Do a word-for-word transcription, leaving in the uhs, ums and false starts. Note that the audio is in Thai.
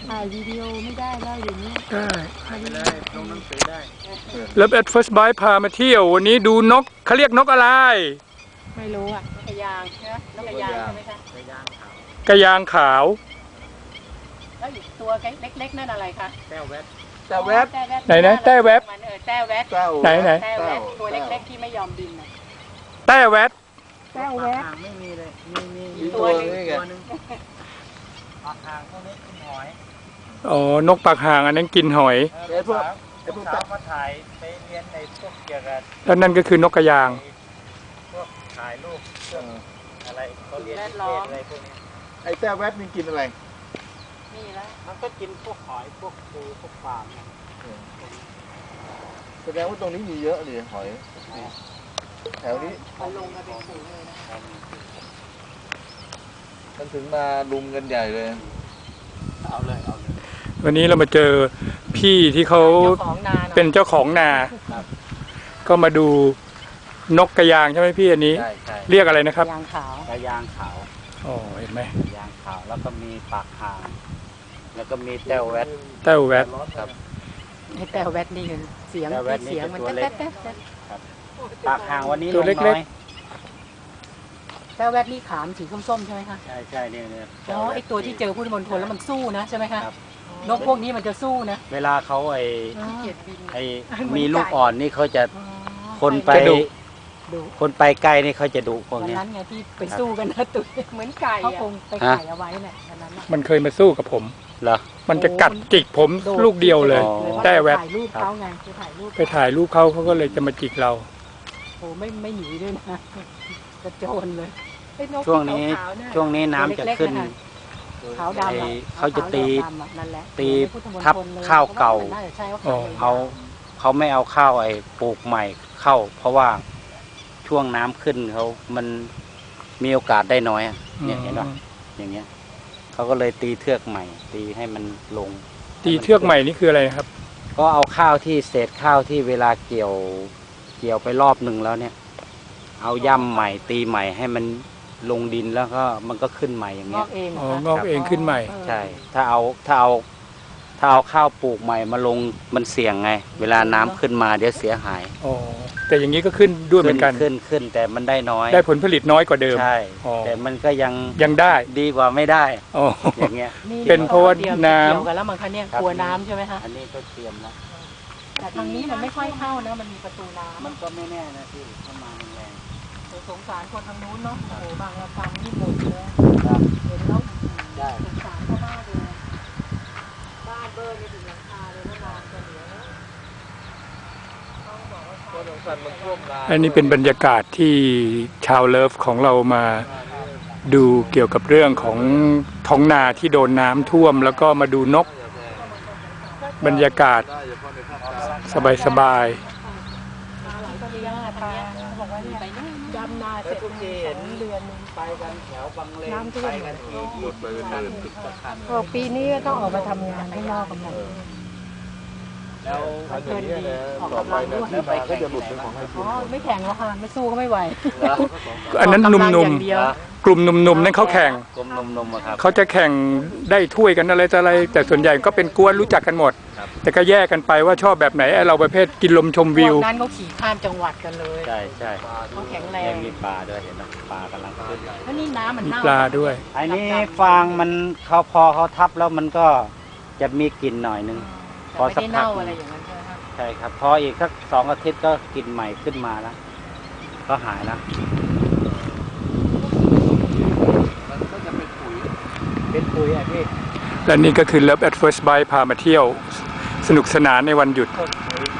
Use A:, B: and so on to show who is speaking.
A: ถ่ายวิดีโอไม่ได้แล้วอยู่นี้
B: ได้
C: ถ่ายไปเลยลงหนังสือได้
B: แล้วแอดเฟิร์สไบพามาเที่ยววันนี้ดูนกเขาเรียกนกอะไร
A: ไม่รู้อ่ะนกกระยางใช่ไหมนกกระยางใช่ไหมคะ
C: กระยางขาว
B: กระยางขาว
A: แล้วอีกตัวเล็กๆนั่นอะไรคะ
C: แต้วแวด
D: แต่แวบ
B: ไหนนะแต้แวบ
A: แต้แวด
B: ไหนไหน
A: แต้แวดตัวเล็กๆที่ไม่ยอมบิน
B: แต้แวด
A: แต้แวด
C: ไม่มีเลยมีมี
D: ตัวนึงตัวนึง
C: ปากหางพวกนี้กินหอย
B: อ๋อนกปากห่างอันนั้นกินหอย
C: ไอ้พวกไอ้พวกสาวมาถ่ายไปเรียนในพวกเกี่ยวกับ
B: แล้วนั่นก็คือนกกระยาง
C: พวกถ่ายรูปเครื่องอะไรเขาเรียนนิเทศอะไรพวกนี้
D: ไอ้แต่แวบมันกินอะไร
A: นี่แล้ว
C: มันก็กินพวกหอยพวกปูพวกปลา
D: แสดงว่าตรงนี้มีเยอะเลยหอยแถวนี้
A: มันลงมาเป็นฝูงเลยนะ
D: มันถึงมาลุมกันใหญ่เลย
C: เอาเลยเอาเลย
B: วันนี้เรามาเจอพี่ที่เขาเป็นเจ้าของนาก็มาดูนกกระยางใช่ไหมพี่อันนี้เรียกอะไรนะครับ
A: กระยางขาว
C: กระยางขาว
B: อ๋อเห็นไหม
C: กระยางขาวแล้วก็มีปากหางแล้วก็มีแต้วแวด
B: แต้วแวด
C: ครับ
A: ไอ้แต้วแวดนี่เสียงเสียงมันแต๊ะแต๊ะแต๊ะ
C: ปากหางวันนี้
B: ตัวเล็ก
A: ๆแต้วแวดนี่ขามสีส้มๆใช่ไหมคะ
C: ใช่ใช่เนี่ยเนี่ย
A: อ๋อไอตัวที่เจอพุทธมณฑลแล้วมันสู้นะใช่ไหมคะนกพวกนี้มันจะสู้นะ
C: เวลาเขาไอไอมีลูกอ่อนนี่เขาจะคนไปคนไปใกล้นี่เขาจะดุพวกนี้
A: นั้นไงที่ไปสู้กันนะตัวเหมือนไก่เขาคงไปไข่เอาไว้เนี่ยอันนั้น
B: มันเคยมาสู้กับผม
C: เหรอ
B: มันจะกัดจิกผมลูกเดียวเลยแต้แวด
A: ถ่ายรูปเขาไงไปถ่ายรูป
B: ไปถ่ายรูปเขาเขาก็เลยจะมาจิกเรา
A: โอ้ไม่ไม่หนีด้วยนะกระโจนเลย
C: ช่วงนี้ช่วงนี้น้ำจะขึ้น
A: ขาวดำ
C: เขาจะตีตีทับข้าวเก่าเอาเขาไม่เอาข้าวไอ้ปลูกใหม่เข้าเพราะว่าช่วงน้ำขึ้นเขามันมีโอกาสได้น้อยเนี่ยเห็นป่ะอย่างเงี้ยเขาก็เลยตีเทือกใหม่ตีให้มันลง
B: ตีเทือกใหม่นี่คืออะไรครับ
C: ก็เอาข้าวที่เศษข้าวที่เวลาเกี่ยวเกี่ยวไปรอบหนึ่งแล้วเนี่ยเอาย่ำใหม่ตีใหม่ให้มันลงดินแล้วก็มันก็ขึ้นใหม่อย่างเงี้ย
B: อ๋องอกเองขึ้นใหม่
C: ใช่ถ้าเอาถ้าเอาถ้าเอาข้าวปลูกใหม่มาลงมันเสี่ยงไงเวลาน้ำขึ้นมาเดี๋ยวเสียหาย
B: อ๋อแต่อย่างนี้ก็ขึ้นด้วยเหมือนกัน
C: ขึ้นขึ้นแต่มันได้น้อย
B: ได้ผลผลิตน้อยกว่าเดิม
C: ใช่แต่มันก็ยัง
B: ยังได้
C: ดีกว่าไม่ได้อย่างเงี้ย
B: เป็นเพราะว่าน้ำ
A: เกี่ยวกันแล้วมันคันเนี่ยกลัวน้ำใช่ไหมคะ
C: อันนี้ก็เตรียมแล้ว
A: แต่ทางนี้มันไม่ค่อยเข้านะมันมีประตูน้ำ
C: มันก็ไม่แน่นะที่เข้ามาแรง
A: สงสารคนทางนู้นเนาะโอ้โหบางระกำนี่หมดเลยเห็นแล้วสงสารเขามากเลยบ้านเบอร์นี่ถึงหลังคาเลยว่าน้ำจะเหลือ
B: อันนี้เป็นบรรยากาศที่ชาวเลิฟของเรามาดูเกี่ยวกับเรื่องของท้องนาที่โดนน้ำท่วมแล้วก็มาดูนกบรรยากาศสบายๆ
A: ดำนาเสร็จสองเดือน
C: ไปกันแถวบางเลนไปกันทีหมดเลย
A: บอกปีนี้ก็ต้องออกมาทำงานข้างนอกกันหมด
C: แล้ว
A: เพื่อนดีออกกำลังด้วย
D: แล้วไปก็จะหลุดเป็นของใคร
A: อ๋อไม่แข่งแล้วค่ะไม่สู้ก็ไม่ไหว
B: อันนั้นหนุ่มๆกลุ่มหนุ่มๆนั่นเขาแข่ง
C: กลุ่มหนุ่มๆครับ
B: เขาจะแข่งได้ถ้วยกันอะไรต่ออะไรแต่ส่วนใหญ่ก็เป็นกวนรู้จักกันหมดแต่ก็แยกกันไปว่าชอบแบบไหนเราประเภทกินลมชมวิว
A: นั้นเขาขี่ข้ามจังหวัดกันเลย
C: ใช่ใช่
A: เขาแข็งแรง
C: มีปลาด้วยเห็นไหมปลากำลังขึ้น
A: แล้วนี่น้ำมัน
B: มีปลาด้วย
C: อันนี้ฟางมันเขาพอเขาทับแล้วมันก็จะมีกลิ่นหน่อยนึง
A: พอสักพักอะไรอย่างนั้น
C: ใช่ครับพออีกสักสองอาทิตย์ก็กลิ่นใหม่ขึ้นมาแล้วก็หายแล้ว
D: มันก็จะเป็นปุ๋ย
C: เป็นปุ๋ยอ่ะพี่
B: และนี่ก็คือ Love at First Bite พามาเที่ยวสนุกสนานในวันหยุด